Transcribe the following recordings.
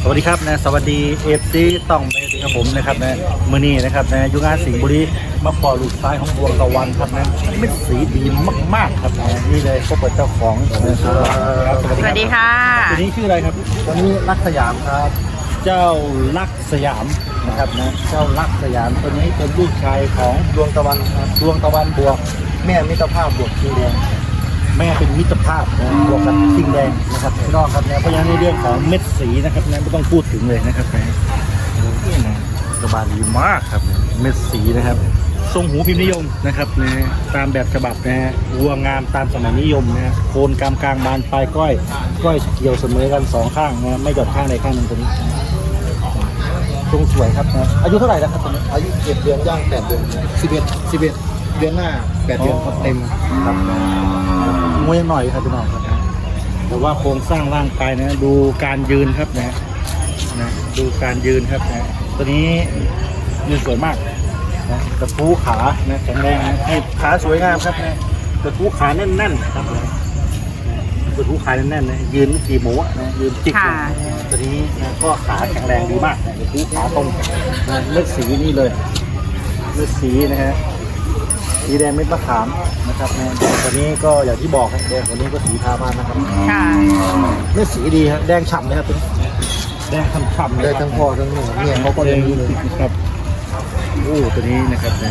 สวัสดีครับนะสวัสดีเอฟซีต้องเมติครับผมนะครับนะมือนี้นะครับนะยุงานสิงห์บุรีมาปอลูกซ้ายของดวงตะวันครับนะเป็นสีดีมากๆครับนะนี่เลยพบกับเจ้าของนะครับสวัสดีค่ะตัวนี้ชื่ออะไรครับตัวนี้ลักสยามครับเจ้าลักสยามนะครับนะเจ้าลักสยามตัวนี้เป็นลูกชายของดวงตะวันครับดวงตะวันบวกแม่มิตรภาพบวกคิงแดงแม่เป็นมิตรภาพนะบวกกับคิงแดงนะครับพี่น้องครับนะเพราะฉะนั้นในเรื่องของเม็ดสีนะครับนะไม่ต้องพูดถึงเลยนะครับนะนี่นะกระบาลดีมากครับเม็ดสีนะครับทรงหูพิมพ์นิยมนะครับนะตามแบบฉบับนะวัวงามตามสมัยนิยมนะโคนกลางบานปลายก้อยเกี่ยวเสมอกันสองข้างนะไม่หย่อนข้างใดข้างหนึ่งตัวนี้ทรงสวยครับนะอายุเท่าไหร่แล้วครับตอนนี้อายุ7 เดือนย่าง8 เดือน11เดือนหน้า8 เดือนครับเต็มครับมวยยังหน่อยครับพี่น้องครับแต่ว่าโครงสร้างร่างกายนะดูการยืนครับนะดูการยืนครับนะตัวนี้ยืนสวยมากนะกระทู้ขานะแข็งแรงนะให้ขาสวยงามครับนะกระทู้ขาแน่นๆครับนะกระทู้ขาแน่นๆนะยืนกี่หมูนะยืนจิกตัวนี้นะก็ขาแข็งแรงดีมากนะกระทู้ขาตรงนะเลือดสีนี่เลยเลือดสีนะฮะสีแดงเม็ดมะขามนะครับแดงตัวนี้ก็อย่างที่บอกครับแดงตัวนี้ก็สีทาบ้านนะครับค่ะเลือดสีดีครับแดงฉ่ำเลยครับแดงฉ่ำๆได้ทั้งพ่อทั้งแม่เนี่ยเขาก็เลี้ยงดีเลยครับโอ้ตัวนี้นะครับนะ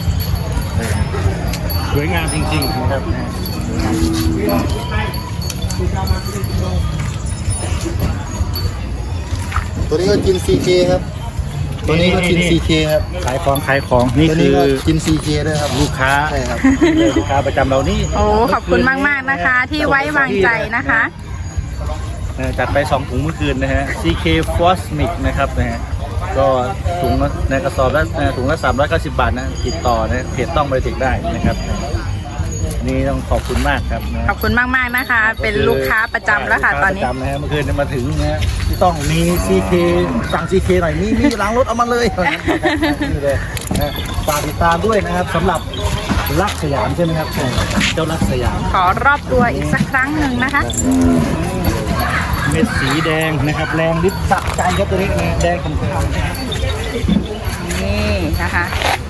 สวยงามจริงๆนะครับนะตัวนี้ก็กิน CK ครับตัวนี้ก็กิน CK ครับขายของนี่คือกิน CK ด้วยครับลูกค้าใช่ครับลูกค้าประจำเรานี่โอ้ขอบคุณมากๆนะคะที่ไว้วางใจนะคะจัดไป2 ถุงเมื่อคืนนะฮะ CK Cosmic นะครับนะฮะก็ถุงในกระสอบละถุงละ390 บาทนะติดต่อนะเพจต้องบริจาคได้นะครับนี่ต้องขอบคุณมากครับขอบคุณมากๆนะคะเป็นลูกค้าประจำแล้วค่ะตอนนี้ประจำนะฮะเมื่อคืนมาถึงนะที่ต้องมี CK สั่ง CK หน่อยมีล้างรถเอามาเลยนี่เลยนะฝากติดตามด้วยนะครับสำหรับลักสยามใช่ไหมครับเจ้าลักสยามขอรอบตัวอีกสักครั้งหนึ่งนะคะเม็ดสีแดงนะครับแรงลิบสะใจครับตัวนี้นะแดงคำนี่นะคะ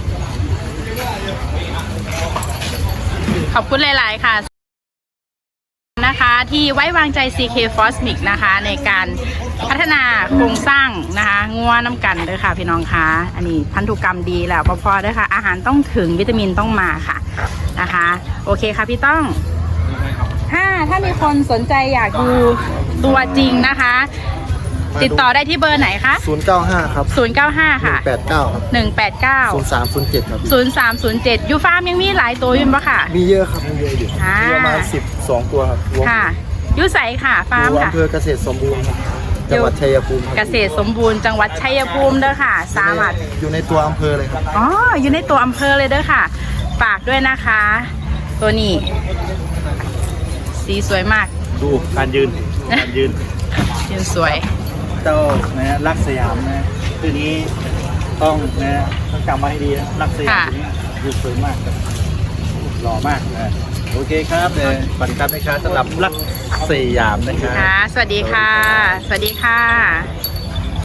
ขอบคุณหลายๆค่ะนะคะที่ไว้วางใจ CK Cosmic นะคะในการพัฒนาโครงสร้างนะคะงัวน้ำกันด้วยค่ะพี่น้องคะอันนี้พันธุกรรมดีแล้วพอด้วยค่ะอาหารต้องถึงวิตามินต้องมาค่ะนะคะโอเคค่ะพี่ต้องถ้ามีคนสนใจอยากดูตัวจริงนะคะติดต่อได้ที่เบอร์ไหนคะ 095ครับ 095ค่ะ 189ครับ 189 0307ครับ 0307ยูฟาร์มยังมีหลายตัวอยู่ปะค่ะมีเยอะครับมีเยอะอยู่มีประมาณ12 ตัวครับค่ะยูใสค่ะฟาร์มค่ะอำเภอเกษตรสมบูรณ์จังหวัดชัยภูมิเกษตรสมบูรณ์จังหวัดชัยภูมิเด้อค่ะสามารถอยู่ในตัวอำเภอเลยครับอ๋ออยู่ในตัวอำเภอเลยเด้อค่ะฝากด้วยนะคะตัวนี้สีสวยมากดูการยืนสวยเจ้านะลักสยามนะตัวนี้ต้องจำไว้ให้ดีนะลักสยามตัวนี้ดูสวยมากครับหล่อมากนะโอเคครับฝันครับนะครับสำหรับลักสยามนะครับค่ะสวัสดีค่ะ